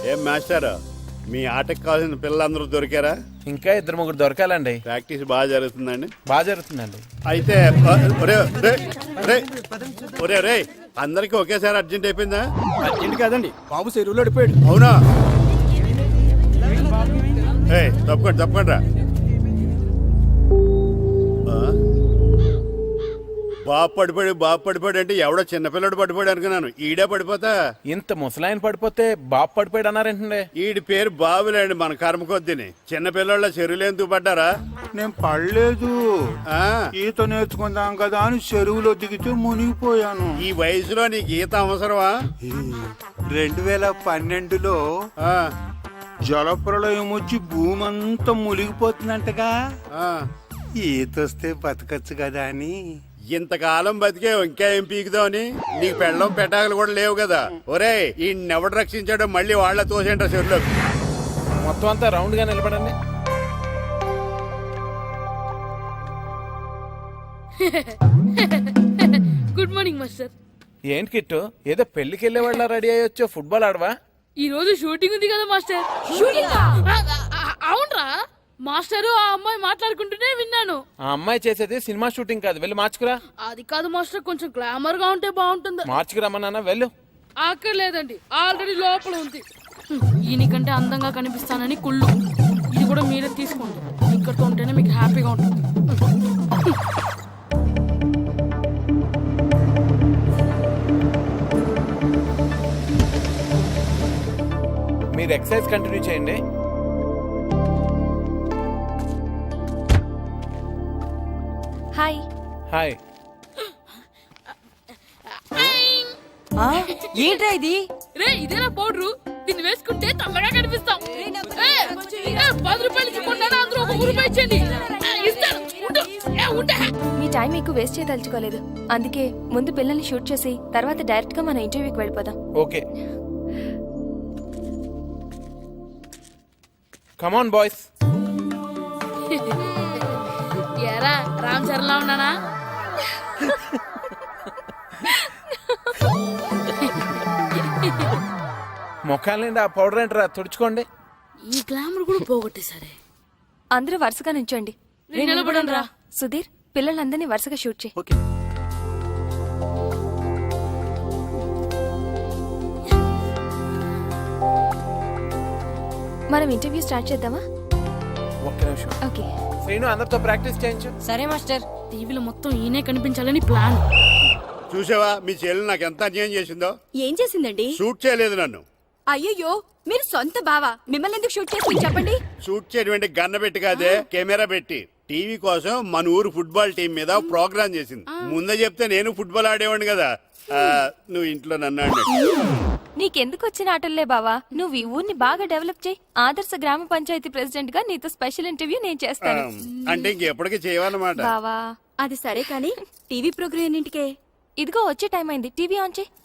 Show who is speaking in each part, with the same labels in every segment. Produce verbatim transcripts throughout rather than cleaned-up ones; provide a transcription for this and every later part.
Speaker 1: ఏం మాస్టర్, మీ ఆటకు కావాల్సిన పిల్లలందరూ దొరికారా?
Speaker 2: ఇంకా ఇద్దరు ముగ్గురు దొరకాలండి.
Speaker 1: ప్రాక్టీస్ బాగా జరుగుతుందండి?
Speaker 2: బాగా జరుగుతుందండి.
Speaker 1: అయితే ఒరే ఒరే ఒరే రే అందరికి ఒకేసారి అర్జెంట్ అయిపోయిందా?
Speaker 3: అర్జెంట్ కాదండి, బాబు చెరువులో అడిపోయాడు.
Speaker 1: అవునా? ఏ తప్పకుండా తప్పకుండా బాబు పడిపోయాడు బాబు పడిపోయాడు అంటే ఎవడో చిన్నపిల్లడు పడిపోయాడు అనుకున్నాను. ఈడే పడిపోతా.
Speaker 2: ఇంత ముసలాయన పడిపోతే బాబు పడిపోయాడు అన్నారేంటండి?
Speaker 1: ఈడి పేరు బాబులేండి, మన కర్మ కొద్దిని. చిన్నపిల్లల చెరువులు ఎందుకు పడ్డారా?
Speaker 4: నేను పడలేదు, ఈత నేర్చుకుందాం కదా అని చెరువులో దిగితే మునిగిపోయాను.
Speaker 1: ఈ వయసులో నీకు ఈత అవసరమా?
Speaker 4: రెండు వేల పన్నెండులో జలప్రళయం వచ్చి భూమి అంతా మునిగిపోతుందంటగా. ఈత వస్తే బతకచ్చు కదా అని.
Speaker 1: ఇంతకాలం బతికే ఇంకా ఏం పీకుదామని? నీకు పెళ్ళం పెట్టాకలు కూడా లేవు కదా. ఒరే ఈ ఎవడు రక్షించాడో మళ్ళీ వాళ్ళ తోసేంట చెరువులో.
Speaker 2: మొత్తం అంతా రౌండ్ గా నిలబడండి.
Speaker 5: Good morning master.
Speaker 2: ఏంటి కిట్టు, ఏదో పెళ్లికి వెళ్ళే వాళ్ళ రెడీ అయ్యొచ్చో? ఫుట్బాల్ ఆడవా?
Speaker 5: ఈ రోజు షూటింగ్ ఉంది కదా మాస్టర్. అవునరా మాస్టర్, ఆ అమ్మాయి మాట్లాడుకుంటూనే విన్నాను.
Speaker 2: ఆ అమ్మాయి చేసేది సినిమా షూటింగ్ కాదు, వెళ్ళి మార్చుకురా.
Speaker 5: అది కాదు మాస్టర్, కొంచెం గ్లామర్ గా ఉంటే బాగుంటుంది.
Speaker 2: మార్చుకురమ్మన్నా, వెళ్ళు.
Speaker 5: అక్కర్లేదండి, ఆల్రెడీ లోపల ఉంది. ఈయనకంటే అందంగా కనిపిస్తానని కుళ్ళు. ఇది కూడా మీరే తీసుకోండి, ఇక్కడతో ఉంటేనే మీకు హ్యాపీగా ఉంటుంది.
Speaker 2: మీరు ఎక్సర్సైజ్ కంటిన్యూ చేయండి.
Speaker 6: హాయ్.
Speaker 2: హాయ్.
Speaker 6: ఏంట్రా ఇది?
Speaker 5: రే ఇదేనా పౌడరు? దీన్ని వేసుకుంటే తల్లగా కనిపిస్తాం. పది రూపాయలు ఇచ్చుకున్నాను, అందరూ ఒక రూపాయి ఇచ్చండి.
Speaker 6: మీ టైం ఎక్కువ వేస్ట్ చేయదలుచుకోలేదు, అందుకే ముందు పిల్లల్ని షూట్ చేసి తర్వాత డైరెక్ట్ గా మన ఇంటర్వ్యూకి వెళ్ళిపోదాం.
Speaker 2: Okay, come on boys.
Speaker 5: ఎరా రామ్ చరణ్లా ఉన్నానా?
Speaker 2: ముఖాల నుండి ఆ పౌడర్ ఏంటరా, తుడుచుకోండి.
Speaker 5: ఈ గ్లామర్ కూడా పోగొట్టేసరే.
Speaker 6: అందరూ వరుసగా నించోండి.
Speaker 5: నిలబడండి రా.
Speaker 6: సుధీర్, పిల్లలందరినీ వరుసగా షూట్ చేయి.
Speaker 3: ఓకే.
Speaker 6: మనం ఇంటర్వ్యూ స్టార్ట్ చేద్దామా?
Speaker 2: ఒక్క నిమిషం.
Speaker 6: ఓకే.
Speaker 2: శ్రీను, అందరితో ప్రాక్టీస్ చేయించు.
Speaker 6: సరే మాస్టర్.
Speaker 5: టీవీలో మొత్తం ఈయనే కనిపించాలని ప్లాన్.
Speaker 1: చూసావా మీ చెల్లి నాకు ఎంత అన్యాయం చేసిందో?
Speaker 6: ఏం చేసిందండి?
Speaker 1: షూట్ చేయలేదు నన్ను.
Speaker 6: అయ్యయ్యో, మీరు సొంత బావా, మిమ్మల్ని ఎందుకు షూట్ చేసి చెప్పండి.
Speaker 1: షూట్ చేయడం గన్న పెట్టి కాదే, కెమెరా పెట్టి. టీవీ కోసం మన ఊరు ఫుట్బాల్ టీం మీద ప్రోగ్రామ్ చేసింది. ముందే చెప్తే నేను ఫుట్బాల్ ఆడేవాడిని కదా. నువ్వు ఇంట్లో నన్ను అన్నట్టు.
Speaker 6: నీకెందుకు వచ్చిన ఆటల్లే బావా, నువ్వు ఈ ఊరిని బాగా డెవలప్ చేయి. ఆదర్శ గ్రామ పంచాయతీ ప్రెసిడెంట్ గా నీతో స్పెషల్ ఇంటర్వ్యూ నేను చేస్తాను.
Speaker 1: అంటే ఇంకెప్పటికీ చేయవన్నమాట.
Speaker 6: బావా అది సరే కానీ టీవీ ప్రోగ్రామ్ ఎన్నింటికే? ఇదిగో వచ్చే టైం అయింది, టీవీ ఆన్ చేయి.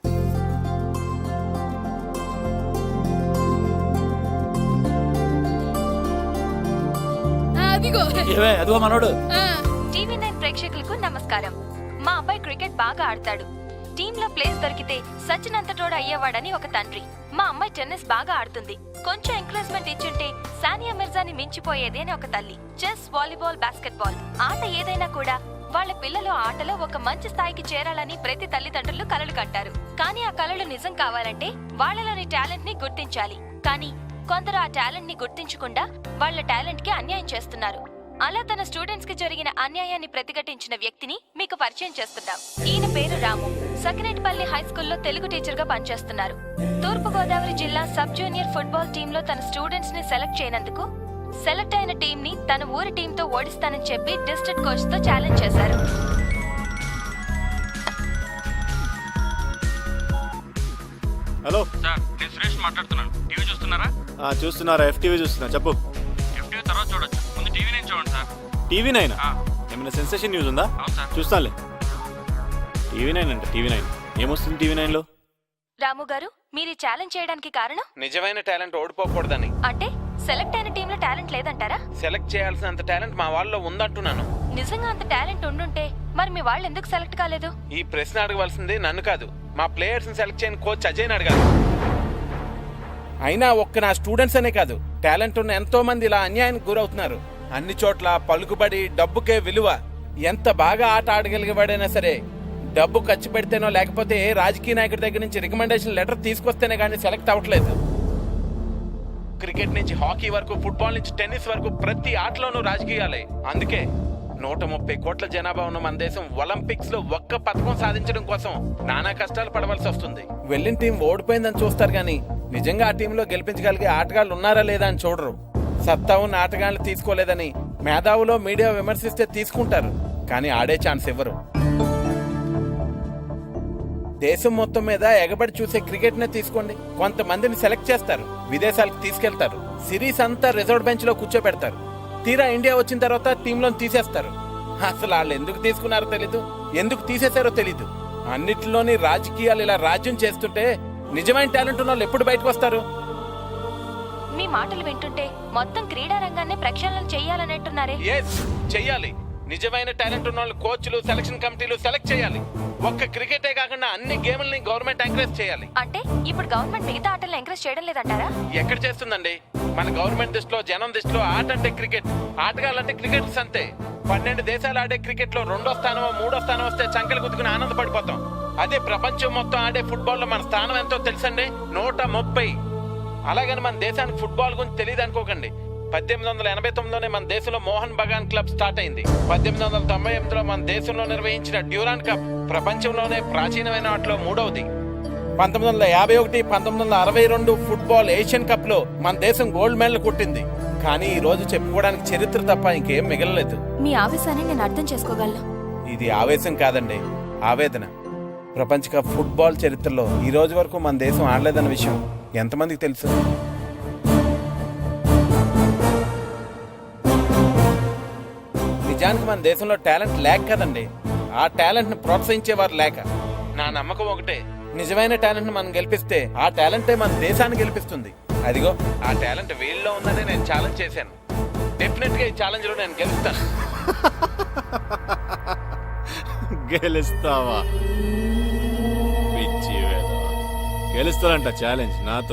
Speaker 3: అదిగో మనోడు.
Speaker 6: టీవీ నైన్ ప్రేక్షకులకు నమస్కారం. మా అబ్బాయి క్రికెట్ బాగా ఆడతాడు. టీమ్ లో ప్లేస్ దొరికితే సచిన్ అంతటోడు అయ్యేవాడని ఒక తండ్రి. మా అమ్మాయి టెన్నిస్ బాగా ఆడుతుంది, కొంచెం ఎంకరేజ్మెంట్ ఇచ్చుంటే సానియా మిర్జాని మించిపోయేది అని ఒక తల్లి. చెస్, వాలీబాల్, బాస్కెట్బాల్ ఆట ఏదైనా కూడా వాళ్ళ పిల్లలు ఆటలో ఒక మంచి స్థాయికి చేరాలని ప్రతి తల్లిదండ్రులు కలలు కంటారు. కానీ ఆ కలలు నిజం కావాలంటే వాళ్ళలోని టాలెంట్ ని గుర్తించాలి. కానీ కొందరు ఆ టాలెంట్ ని గుర్తించకుండా వాళ్ళ టాలెంట్ కి అన్యాయం చేస్తున్నారు. అలా తన స్టూడెంట్స్ కి జరిగిన అన్యాయాన్ని ప్రతిఘటించిన వ్యక్తిని మీకు పరిచయం చేస్తున్నాం. ఈయన పేరు రాము. సకినేటిపల్లి హై స్కూల్లో తెలుగు టీచర్ గా పనిచేస్తున్నారు. తూర్పు గోదావరి జిల్లా సబ్ జూనియర్ ఫుట్బాల్ టీమ్ లో తన స్టూడెంట్స్ ని సెలెక్ట్ చేయనందుకు సెలెక్ట్ అయిన టీం ని తన ఊరి టీం తో ఓడిస్తానని చెప్పి డిస్ట్రిక్ట్ కోచ్ తో ఛాలెంజ్ చేశారు.
Speaker 1: హలో
Speaker 7: సార్, నేను సురేష్ మాట్లాడుతున్నాను. టీవీ చూస్తున్నారా?
Speaker 3: చూస్తున్నారా? ఎఫ్టీవీ చూస్తున్నా. చెప్పు.
Speaker 7: ఎఫ్టీవీ తర్వాత చూడొచ్చు, ముందు టీవీ నైన్ చూడండి సార్.
Speaker 3: టీవీ నైన్ ఏమైనా సెన్సేషన్ న్యూస్ ఉందా?
Speaker 7: అవును సార్.
Speaker 3: చూస్తానులే. టీవీ నైన్ అంటే టీవీ నైన్ ఏమొస్తుంది టీవీ నైన్ లో?
Speaker 6: రాము గారు, మీరు ఛాలెంజ్ చేయడానికి కారణం?
Speaker 2: నిజమైన టాలెంట్ ఓడిపోకూడదని.
Speaker 6: అంటే సెలెక్ట్ అయిన టీంలో టాలెంట్ లేదంటారా?
Speaker 2: సెలెక్ట్ చేయాల్సినంత టాలెంట్ మా వాళ్ళలో ఉందంటున్నాను.
Speaker 6: నిజంగా అంత టాలెంట్ ఉండుంటే మరి మీ వాళ్ళు ఎందుకు సెలెక్ట్ కాలేదు?
Speaker 2: ఈ ప్రశ్న అడగవలసింది నన్ను కాదు, మా ప్లేయర్స్ ని సెలెక్ట్ చేయని కోచ్ అజయ్ అడగాలి. అయినా ఒక్క నా స్టూడెంట్స్ అనే కాదు, టాలెంట్ ఉన్న ఎంతో మంది ఇలా అన్యాయానికి గురవుతున్నారు. అన్ని చోట్ల పలుకుబడి, డబ్బుకే విలువ. ఎంత బాగా ఆట ఆడగలిగేవాడైనా సరే డబ్బు ఖర్చు పెడితేనో లేకపోతే ఏ రాజకీయ నాయకుడి దగ్గర నుంచి రికమెండేషన్ లెటర్ తీసుకొస్తేనే కానీ సెలెక్ట్ అవ్వట్లేదు. క్రికెట్ నుంచి హాకీ వరకు, ఫుట్బాల్ నుంచి టెన్నిస్ వరకు ప్రతి ఆటలోనూ రాజకీయాలే. అందుకే నూట ముప్పై కోట్ల జనాభా ఉన్న మన దేశం ఒలింపిక్స్ లో ఒక్క పథకం సాధించడం కోసం నానా కష్టాలు పడవలసి వస్తుంది. వెళ్ళిన టీం ఓడిపోయిందని చూస్తారు గానీ నిజంగా ఆ టీంలో గెలిపించగలిగే ఆటగాళ్ళు ఉన్నారా లేదా అని చూడరు. సత్తా ఉన్న ఆటగాళ్ళు తీసుకోలేదని మేధావులో మీడియా విమర్శిస్తే తీసుకుంటారు, కానీ ఆడే ఛాన్స్ ఇవ్వరు. దేశం మొత్తం మీద ఎగబడి చూసే క్రికెట్ నే తీసుకోండి. కొంతమందిని సెలెక్ట్ చేస్తారు, విదేశాలకు తీసుకెళ్తారు, సిరీస్ అంతా రిజర్వ్ బెంచ్ లో కూర్చోబెడతారు. తీరా ఇండియా వచ్చిన తర్వాత టీంలో తీసేస్తారు. అసలు వాళ్ళు ఎందుకు తీసుకున్నారో తెలీదు, ఎందుకు తీసేశారో తెలీదు. అన్నిటిలోని రాజకీయాలు ఇలా రాజ్యం చేస్తుంటే నిజమైన టాలెంట్ ఉన్న వాళ్ళు ఎప్పుడు బయటకు వస్తారు?
Speaker 6: మీ మాటలు వింటుంటే మొత్తం క్రీడా రంగాన్ని ప్రక్షాళన చెయ్యాలనంటున్నారే.
Speaker 2: ఎస్, చెయ్యాలి. నిజమైన టాలెంట్ ఉన్న వాళ్ళు కోచ్లు, సెలక్షన్ కమిటీలు సెలెక్ట్ చేయాలి. ఒక్క క్రికెటే కాకుండా అన్ని గేమ్లని గవర్నమెంట్ ఎంకరేజ్ చేయాలి.
Speaker 6: అంటే ఇప్పుడు గవర్నమెంట్ మిగతా ఆటలను ఎంకరేజ్ చేయడం లేదంటారా?
Speaker 2: ఎక్కడ చేస్తుందండి? మన గవర్నమెంట్ దృష్టిలో, జనం దృష్టిలో ఆట అంటే క్రికెట్, ఆటగాళ్ళంటే క్రికెటర్స్ అంతే. పన్నెండు దేశాలు ఆడే క్రికెట్ లో రెండో స్థానం, మూడో స్థానం వస్తే చంకలు గుద్దుకుని ఆనందపడిపోతాం. అదే ప్రపంచం మొత్తం ఆడే ఫుట్బాల్ లో మన స్థానం ఎంతో తెలుసండి, నూట ముప్పై. అలాగని మన దేశానికి ఫుట్బాల్ గురించి తెలియదు అనుకోకండి. పద్దెనిమిది వందల ఎనభై తొమ్మిదిలోనే మన దేశంలో మోహన్ బగాన్ క్లబ్ స్టార్ట్ అయింది. పద్దెనిమిది వందల తొంభై ఎనిమిదిలో మన దేశంలో నిర్వహించిన డ్యూరాన్ కప్ ప్రపంచంలోనే ప్రాచీనమైన వాటిలో మూడవది. పంతొమ్మిది వందల యాభై ఒకటి పంతొమ్మిది వందల అరవై రెండు ఫుట్బాల్ ఏషియన్ కప్ లో మన దేశం గోల్డ్ మెడల్ కొట్టింది. కానీ ఈ రోజు చెప్పుకోవడానికి చరిత్ర తప్ప ఇంకేం మిగలలేదు.
Speaker 6: మీ ఆవేశాన్ని నేను అర్థం చేసుకోగలను.
Speaker 2: ఇది ఆవేశం కాదండి, ఆవేదన. ప్రపంచ కప్ ఫుట్బాల్ చరిత్రలో ఈ రోజు వరకు మన దేశం ఆడలేదన్న విషయం ఎంతమందికి తెలుసు? నిజానికి మన దేశంలో టాలెంట్ లేక కదండి, ఆ టాలెంట్ ని ప్రోత్సహించేవారు లేక. నా నమ్మకం ఒకటే, నిజమైన టాలెంట్ ని మనం గెలిపిస్తే ఆ టాలెంటే మన దేశాన్ని గెలిపిస్తుంది. అదిగో ఆ టాలెంట్ వీళ్ళలో ఉందని నేను ఛాలెంజ్ చేశాను. డెఫినెట్ గా ఈ ఛాలెంజ్ లో నేను గెలుస్తాను.
Speaker 3: గెలుస్తావా? పిచ్చి వేధవా. గెలుస్తానంట ఛాలెంజ్ నాతో.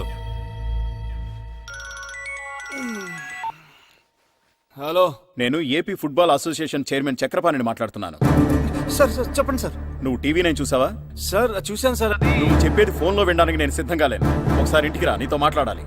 Speaker 3: హలో,
Speaker 8: నేను ఏపీ ఫుట్బాల్ అసోసియేషన్ చైర్మన్ చక్రపాణిని మాట్లాడుతున్నాను.
Speaker 9: సార్ సార్ చెప్పండి సార్.
Speaker 8: నువ్వు టీవీ నైన్ చూసావా?
Speaker 9: సార్ చూశాను సార్. అది
Speaker 8: నువ్వు చెప్పేది ఫోన్లో వినడానికి నేను సిద్ధంగా లేను. ఒకసారి ఇంటికి రా, నీతో మాట్లాడాలి.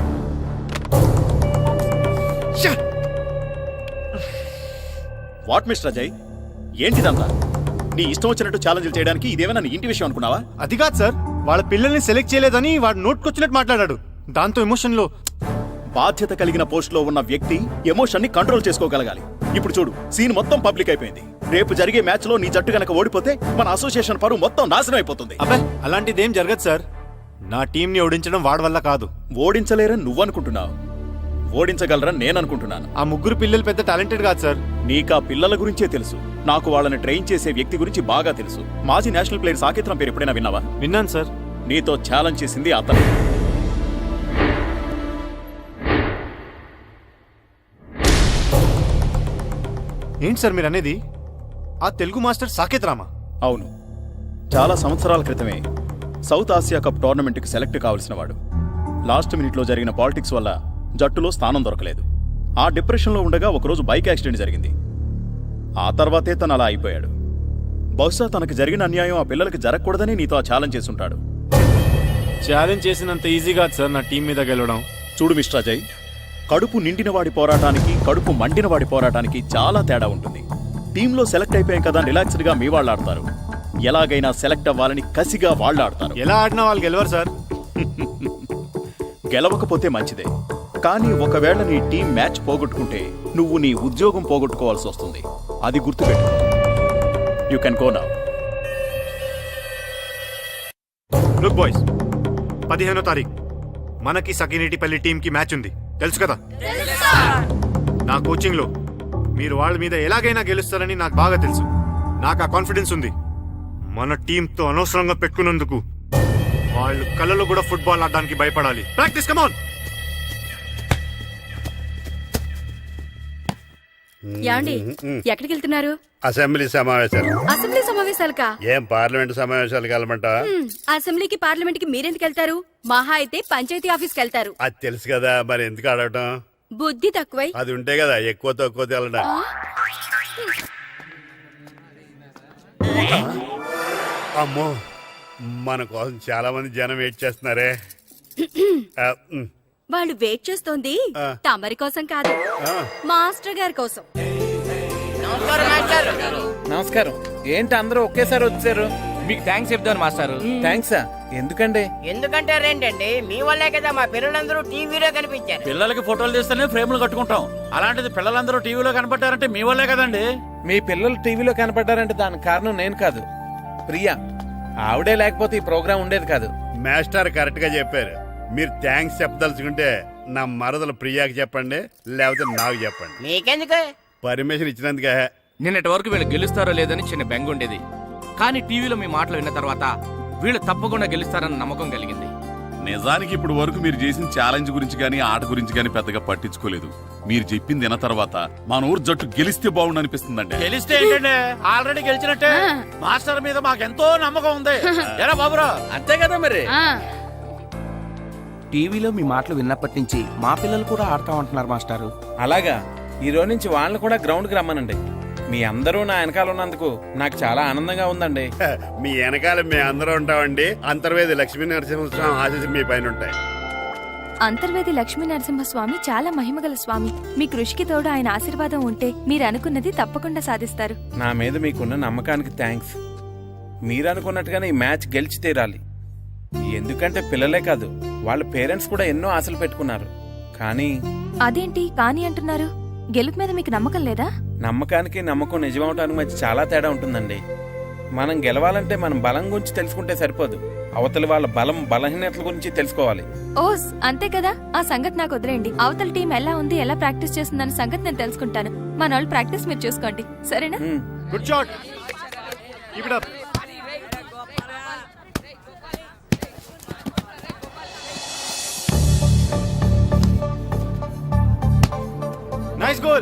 Speaker 8: వాట్ మిస్టర్ అజయ్, ఏంటిదంతా? నీ ఇష్టం వచ్చినట్టు ఛాలెంజ్లు చేయడానికి ఇదేమైనా నీ ఇంటి విషయం అనుకున్నావా?
Speaker 9: అది కాదు సార్, వాళ్ళ పిల్లల్ని సెలెక్ట్ చేయలేదని వాడు నోట్కొచ్చినట్టు మాట్లాడాడు. దాంతో ఎమోషన్ లో.
Speaker 8: బాధ్యత కలిగిన పోస్ట్ లో ఉన్న వ్యక్తి ఎమోషన్ ని కంట్రోల్ చేసుకోగలగాలి. ఇప్పుడు చూడు, సీన్ మొత్తం పబ్లిక్ అయిపోయింది. రేపు జరిగే మ్యాచ్ లో నీ జట్టు గనక ఓడిపోతే మన అసోసియేషన్ పరువు మొత్తం నాశనం అయిపోతుంది.
Speaker 9: అబ్బే, అలాంటిదేం జరగదు సార్. నా టీం ని ఓడించడం వాడి వల్ల కాదు.
Speaker 8: ఓడించలేరని నువ్వనుకుంటున్నావు, ఓడించగలరని నేను అనుకుంటున్నాను.
Speaker 9: ఆ ముగ్గురు పిల్లలు పెద్ద టాలెంటెడ్ కాదు సార్.
Speaker 8: నీకా పిల్లల గురించే తెలుసు, నాకు వాళ్ళని ట్రైన్ చేసే వ్యక్తి గురించి బాగా తెలుసు. మాజీ నేషనల్ ప్లేయర్ సాకేత్రం పేరు ఎప్పుడైనా విన్నావా?
Speaker 9: విన్నాను సార్.
Speaker 8: నీతో ఛాలెంజ్ చేసింది అతను.
Speaker 9: ఏంటి సార్ మీరు అనేది? ఆ తెలుగు మాస్టర్ సాకేత్ రామా?
Speaker 8: అవును, చాలా సంవత్సరాల క్రితమే సౌత్ ఆసియా కప్ టోర్నమెంట్కి సెలెక్ట్ కావాల్సిన వాడు. లాస్ట్ మినిట్లో జరిగిన పాలిటిక్స్ వల్ల జట్టులో స్థానం దొరకలేదు. ఆ డిప్రెషన్లో ఉండగా ఒకరోజు బైక్ యాక్సిడెంట్ జరిగింది. ఆ తర్వాతే తను అలా అయిపోయాడు. బహుశా తనకు జరిగిన అన్యాయం ఆ పిల్లలకి జరగకూడదని నీతో ఆ ఛాలెంజ్ చేసుంటాడు.
Speaker 3: ఛాలెంజ్ చేసినంత ఈజీగా సార్ నా టీం మీద గెలవడం.
Speaker 8: చూడు మిస్టర్ అజయ్, కడుపు నిండినవాడి పోరాటానికి, కడుపు మండినవాడి పోరాటానికి చాలా తేడా ఉంటుంది. టీంలో సెలెక్ట్ అయిపోయాం కదా రిలాక్స్డ్గా మీ వాళ్ళు ఆడతారు. ఎలాగైనా సెలెక్ట్ అవ్వాలని కసిగా వాళ్ళు ఆడతారు.
Speaker 9: ఎలా ఆడినా వాళ్ళు గెలవరు సార్.
Speaker 8: గెలవకపోతే మంచిదే, కానీ ఒకవేళ నీ టీం మ్యాచ్ పోగొట్టుకుంటే నువ్వు నీ ఉద్యోగం పోగొట్టుకోవాల్సి వస్తుంది. అది గుర్తుపెట్టు. You can go now.
Speaker 9: Look boys, పదిహేనో తారీఖు మనకి సకినేటిపల్లి టీం కి మ్యాచ్ ఉంది, తెలుసు కదా? నా కోచింగ్ లో మీరు వాళ్ళ మీద ఎలాగైనా గెలుస్తారని నాకు బాగా తెలుసు. నాకు ఆ కాన్ఫిడెన్స్ ఉంది. మన టీంతో అనవసరంగా పెట్టుకున్నందుకు వాళ్ళు కళ్ళలో కూడా ఫుట్బాల్ ఆడడానికి భయపడాలి. Practice, come on.
Speaker 10: యాండి ఎక్కడికి వెళ్తున్నారు?
Speaker 1: అసెంబ్లీ సమావేశాలు.
Speaker 10: అసెంబ్లీ సమావేశాలకా?
Speaker 1: ఏం పార్లమెంట్ సమావేశాలకు వెళ్ళమంటావా?
Speaker 10: హ్మ్, అసెంబ్లీకి పార్లమెంట్ కి మీరెందుకు వెళ్తారు? మహా అయితే పంచాయతీ ఆఫీస్ కి వెళ్తారు.
Speaker 1: అది తెలుసు కదా, మరి ఎందుకు అడగటం?
Speaker 10: బుద్ధి తక్కువై.
Speaker 1: అది ఉంటే కదా ఎక్కువ తక్కువ తెలడం. అమ్మో, మన కోసం చాలా మంది జనం వెయిట్ చేస్తున్నారే. ఆ, ఉమ్,
Speaker 10: వాళ్ళు వెయిట్ చేస్తోంది
Speaker 1: ఆ.
Speaker 10: తమరి కోసం కాదు,
Speaker 1: ఆ.
Speaker 10: మాస్టర్ గారి కోసం.
Speaker 2: నమస్కారం. ఏంటి అందరూ ఒకేసారి వచ్చారు?
Speaker 11: మీకు థ్యాంక్స్ చెప్తాను మాస్టారు.
Speaker 2: థ్యాంక్సా? ఎందుకండి?
Speaker 12: ఎందుకంటే రేంటండి మీ వల్లే కదా మా పిల్లలందరూ టీవీలో కనిపించారు.
Speaker 3: పిల్లలకి ఫోటోలు తీస్తేనే ఫ్రేమ్లు కట్టుకుంటాం. అలాంటిది పిల్లలందరూ టీవీలో కనపడ్డారంటే మీ వల్లే కదండి.
Speaker 2: మీ పిల్లలు టీవీలో కనపడ్డారంటే దానికి కారణం నేను కాదు, ప్రియా. ఆవిడే లేకపోతే ఈ ప్రోగ్రాం ఉండేది కాదు.
Speaker 1: మాస్టర్ కరెక్ట్ గా చెప్పారు. మీరు థ్యాంక్స్ చెప్పదలుచుకుంటే నా మరదలు ప్రియాకి చెప్పండి, లేకపోతే నాకు చెప్పండి.
Speaker 12: మీకెందుకు?
Speaker 1: పర్మిషన్ ఇచ్చినందుకే.
Speaker 11: నిన్నటి వరకు వీళ్ళు గెలుస్తారో లేదని చిన్న బెంగ ఉండేది, కానీ టీవీలో మీ మాటలు విన్న తర్వాత వీళ్ళు తప్పకుండా గెలుస్తారన్న నమ్మకం కలిగింది.
Speaker 13: నిజానికి ఇప్పుడు వరకు మీరు చేసిన ఛాలెంజ్ గురించి గానీ ఆట గురించి గానీ పెద్దగా పట్టించుకోలేదు. మీరు చెప్పింది విన్న తర్వాత మన ఊరు జట్టు గెలిస్తే బాగుండు అనిపిస్తుందండి.
Speaker 3: గెలిస్తే ఏంటండి, ఆల్రెడీ గెలిచినట్టే. మాస్టర్ మీద మాకెంతో నమ్మకం ఉంది. ఎరా బాబురా,
Speaker 2: అంతే కదా మరి.
Speaker 5: ఆ,
Speaker 11: టీవీలో మీ మాటలు విన్నప్పటి నుంచి మా పిల్లలు కూడా ఆడతామంటున్నారు మాస్టారు.
Speaker 2: అలాగా, ఈ రోజు నుంచి వాళ్ళని కూడా గ్రౌండ్ కి రమ్మనండి. మీ అందరూ నా వెనకాల ఉన్నందుకు నాకు చాలా ఆనందంగా ఉందండి.
Speaker 1: మీ వెనకాల మేము అందరూ ఉంటామండి. అంతర్వేది లక్ష్మీ నరసింహస్వామి ఆశీస్సులు మీ పైన ఉంటాయి.
Speaker 6: అంతర్వేది లక్ష్మీ నరసింహస్వామి చాలా మహిమగల స్వామి. మీ కృషికి తోడు ఆయన ఆశీర్వాదం ఉంటే మీరు అనుకున్నది తప్పకుండా సాధిస్తారు.
Speaker 2: నా మీద మీకున్న నమ్మకానికి థ్యాంక్స్. మీరు అనుకున్నట్టుగానే ఈ మ్యాచ్ గెలిచి తీరాలి. ఎందుకంటే పిల్లలే కాదు, వాళ్ళ పేరెంట్స్ కూడా ఎన్నో ఆశలు పెట్టుకున్నారు. కానీ
Speaker 6: అదేంటి కానీ అంటున్నారు? గెలుపు మీద మీకు నమ్మకం లేదా?
Speaker 2: నమ్మకానికి నమ్మకం నిజమవటానికి మధ్య చాలా తేడా ఉంటుందండి. మనం గెలవాలంటే మనం బలం గురించి తెలుసుకుంటే సరిపోదు, అవతలి వాళ్ళ బలం బలహీనతల గురించి తెలుసుకోవాలి.
Speaker 6: ఓస్ అంతే కదా, ఆ సంగతి నాకు వదిలేండి. అవతల టీం ఎలా ఉంది, ఎలా ప్రాక్టీస్ చేస్తుందన్న సంగతి నేను తెలుసుకుంటాను. మన వాళ్ళు ప్రాక్టీస్ మీరు చూసుకోండి, సరేనా?
Speaker 9: Good shot. Keep it up. Nice goal.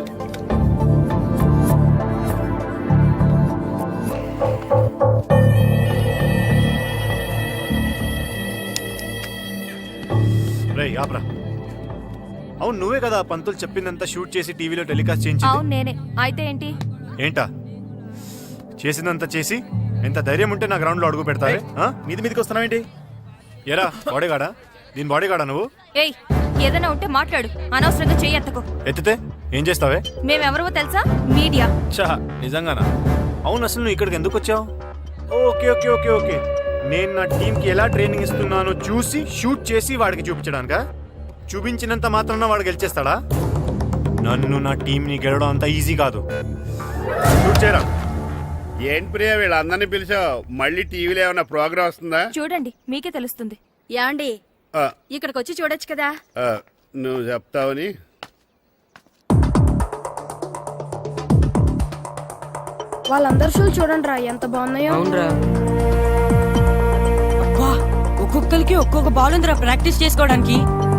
Speaker 9: రేయ్ ఆప్రా. అవును నువ్వే కదా పంతులు చెప్పిందంతా షూట్ చేసి టీవీలో టెలికాస్ట్ చేయించి.
Speaker 6: అవును నేనే. అయితే ఏంటి?
Speaker 9: ఏంటా చేసిందంతా చేసి ఎంత ధైర్యం ఉంటే నా గ్రౌండ్ లో అడుగు పెడతావే? ఆ?
Speaker 8: మీది మీదకి వస్తున్నావేంటి?
Speaker 9: ఎరా బాడీగాడా? దీని బాడీగాడా నువ్వు?
Speaker 6: ఏయ్ ఏదైనా ఉంటే మాట్లాడు, అనవసరంగా చెయ్యి ఎత్తకు.
Speaker 9: ఎత్తితే ఏం చేస్తావే?
Speaker 6: మేమెవరో తెలుసా? మీడియా.
Speaker 9: చా నిజంగానా? అవును అసలు నువ్వు ఇక్కడికి ఎందుకు వచ్చావు? ఓకే ఓకే ఓకే ఓకే నేను నా టీంకి ఎలా ట్రైనింగ్ ఇస్తున్నానో చూసి షూట్ చేసి వాడికి చూపించడానికా? చూపించినంత మాత్రాన వాడు గెలిచేస్తాడా? నన్ను నా టీంని గెలవడం అంత ఈజీ కాదు. షూట్ చేయరా.
Speaker 1: ఏంటి ప్రియా వీళ్ళందరినీ పిలిచావు? మళ్ళీ టీవీలో ఏమైనా ప్రోగ్రామ్ వస్తుందా?
Speaker 6: చూడండి మీకే తెలుస్తుంది.
Speaker 10: యాండి
Speaker 1: ఆ,
Speaker 10: ఇక్కడికి వచ్చి చూడొచ్చు కదా.
Speaker 1: ఆ, నువ్వు చెప్తావని.
Speaker 5: వాళ్ళందరూ షూలు చూడండి రా ఎంత బాగున్నాయో.
Speaker 12: ఒక్కొక్కరికి ఒక్కొక్క బాల్ ఉందిరా ప్రాక్టీస్ చేసుకోవడానికి.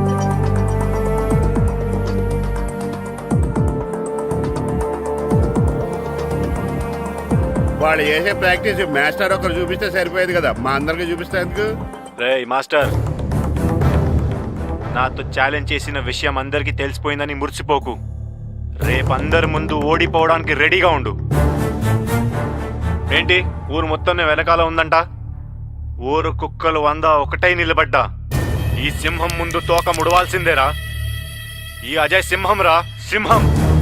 Speaker 1: వాళ్ళు చేసే ప్రాక్టీస్ మాస్టర్ ఒకరు చూపిస్తే సరిపోయేది కదా, మా అందరికి చూపిస్తే ఎందుకు?
Speaker 9: రేయ్ మాస్టర్, నాతో ఛాలెంజ్ చేసిన విషయం అందరికీ తెలిసిపోయిందని మురిసిపోకు. రేపు అందరి ముందు ఓడిపోవడానికి రెడీగా ఉండు. ఏంటి ఊరు మొత్తం వెనకాల ఉందంట? ఊరు కుక్కలు వంద ఒకటై నిలబడ్డా ఈ సింహం ముందు తోక ముడవాల్సిందేరా. ఈ అజయ్ సింహం రా, సింహం.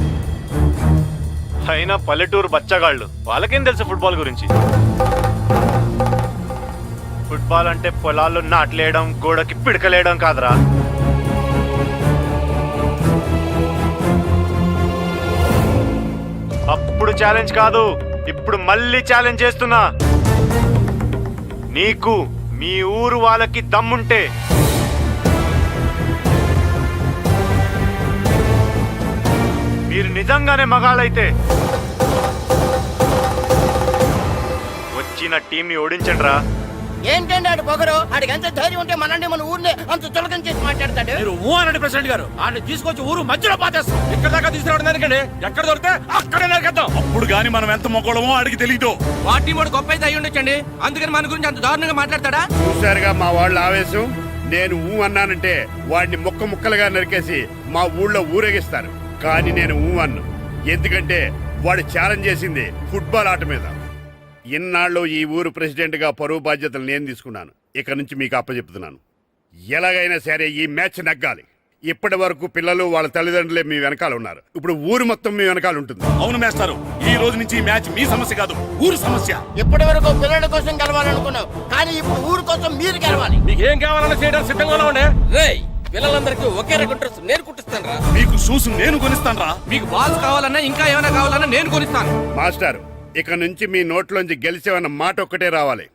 Speaker 9: అయినా పల్లెటూరు బచ్చగాళ్ళు, వాళ్ళకేం తెలుసు ఫుట్బాల్ గురించి? ఫుట్బాల్ అంటే పొలాల్లో నాట్లేయడం, గోడకి పిడకలేయడం కాదురా. అప్పుడు ఛాలెంజ్ కాదు, ఇప్పుడు మళ్ళీ ఛాలెంజ్ చేస్తున్నా. నీకు మీ ఊరు వాళ్ళకి దమ్ముంటే మీరు నిజంగానే మగాళ్ళైతే వచ్చిన టీంని ఓడించండి రా.
Speaker 12: ఏంటండి ఆడు పొగరు ఆడికి ఎంత ధైర్యం ఉంటే మనల్ని మన ఊరిని అంత చులకం చేసి మాట్లాడతాడు.
Speaker 3: మీరు ఊ అనండి ప్రెసిడెంట్ గారు. ఆయన తీసుకొచ్చి ఊరు మధ్యలో పాతేస్తాం. ఇక్కడ దాకా తీసుకురావడం దానికండి, ఎక్కడ దొరికితే అక్కడే నరికేద్దాం.
Speaker 13: అప్పుడు గాని మనం ఎంత మొక్కడమో ఆడికి తెలీదు.
Speaker 11: వాటి మూడు గొప్ప అయితే అయి ఉండొచ్చండి, అందుకని మన గురించి అంత దారుణంగా మాట్లాడతాడా?
Speaker 1: చూసారుగా మా వాళ్ళ ఆవేశం. నేను ఊ అన్నానంటే వాడిని ముక్క ముక్కలుగా నరికేసి మా ఊళ్ళో ఊరేగిస్తారు. కానీ నేను ఊ అన్ను, ఎందుకంటే వాడు ఛాలెంజ్ చేసింది ఫుట్బాల్ ఆట మీద. ఇన్నాళ్ళు ఈ ఊరు ప్రెసిడెంట్ గా పరువు బాధ్యతలు నేను తీసుకున్నాను. ఇక నుంచి మీకు అప్పచెప్తున్నాను. ఎలాగైనా సరే ఈ మ్యాచ్ నగ్గాలి. ఇప్పటి వరకు పిల్లలు వాళ్ళ తల్లిదండ్రులే మీ వెనకాల ఉన్నారు. ఇప్పుడు ఊరు మొత్తం మీ వెనకాల ఉంటుంది.
Speaker 13: అవును మేస్తారు, ఈ రోజు నుంచి ఈ మ్యాచ్ మీ సమస్య కాదు, ఊరు సమస్య.
Speaker 12: ఇప్పటి వరకు పిల్లల కోసం గెలవాలనుకున్నావు, కానీ ఇప్పుడు ఊరు కోసం మీరు గెలవాలి.
Speaker 3: మీకు ఏం కావాలన్నా చేయడానికి సిద్ధంగా ఉండే.
Speaker 11: రేయ్ పిల్లలందరికీ ఒకే రకం డ్రెస్ నేను కుట్టిస్తాను రా.
Speaker 13: మీకు షూస్ నేను కొనిస్తాను రా.
Speaker 11: మీకు బాల్స్ కావాలన్నా ఇంకా ఏమైనా కావాలన్నా నేను కొనిస్తాను.
Speaker 1: మాస్టర్, ఇక నుంచి మీ నోట్లోంచి గెలిచేవన్న మాట ఒక్కటే రావాలి.